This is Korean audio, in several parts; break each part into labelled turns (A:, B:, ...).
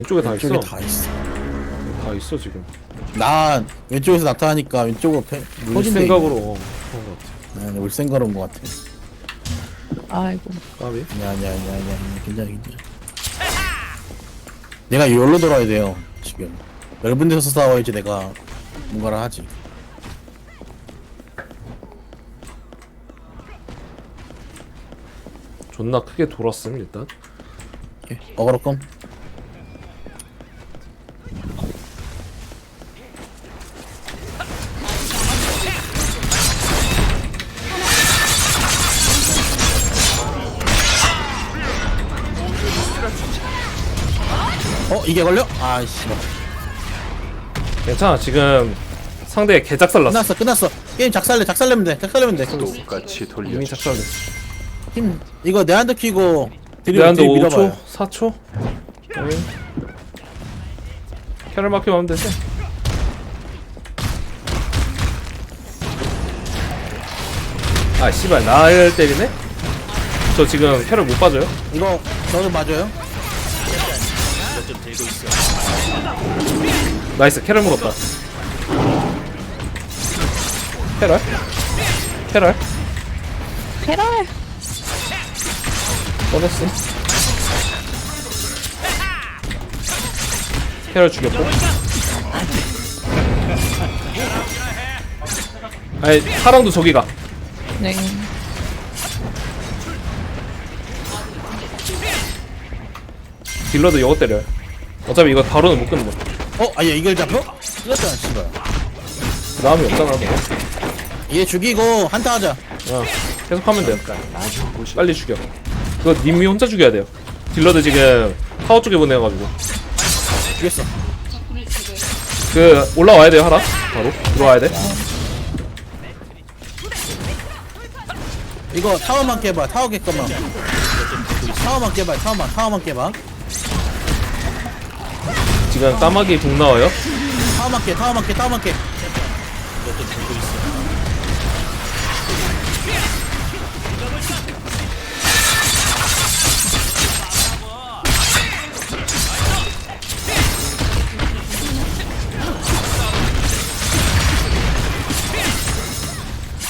A: 왼쪽에 다 있어.
B: 왼쪽에 다 있어.
A: 다 있어 지금.
B: 나 왼쪽에서 나타나니까 왼쪽으로
A: 울
B: 퍼진대.
A: 생각으로 그런 것 같아.
B: 올 생각 온것 같아.
C: 아이고.
A: 까비.
B: 아니야. 괜찮아. 내가 여기로 돌아야 돼요. 지금 넓은 데서 싸워야지 내가 뭔가를 하지.
A: 존나 크게 돌았음 일단.
B: 어그로 껌. 이게 걸려? 아이씨.
A: 괜찮아 지금 상대 개작살 났어.
B: 끝났어. 게임 작살내면 돼.
D: 똑같이
A: 이미
D: 돌려줘.
A: 작살됐어.
B: 힘 이거 내한테 키고
A: 내한테
B: 뒤로
A: 5초? 4초? 캐럴 마키면 하면 되지. 아 씨발 날 때리네? 저 지금 캐럴 못 빠져요?
B: 이거 저도 맞아요?
A: 나이스 캐럴 물었다. 캐럴?
C: 캐럴.
A: 꺼냈어. 캐럴 죽였고. 아니 사랑도 저기 가.
C: 네.
A: 딜러도 이거 때려요. 어차피 이거 바로는 못 끊는 거.
B: 아얘 이걸 잡혀? 이겼잖아 씨발.
A: 그 다음이 없잖아. 너.
B: 얘 죽이고 한타 하자.
A: 계속 하면 돼요. 빨리 죽여. 그거 님이 혼자 죽여야 돼요. 딜러들 지금 타워 쪽에 보내가지고.
B: 죽였어.
A: 그 올라와야 돼요 하나. 바로 들어와야 돼.
B: 이거 타워만 깨봐. 타워 깰거만. 타워만 깨봐. 타워만 깨봐.
A: 지금 까마귀 북 나와요.
B: 타워만 깨.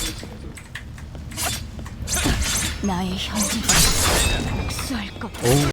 E: 나의 현재 복수할 것.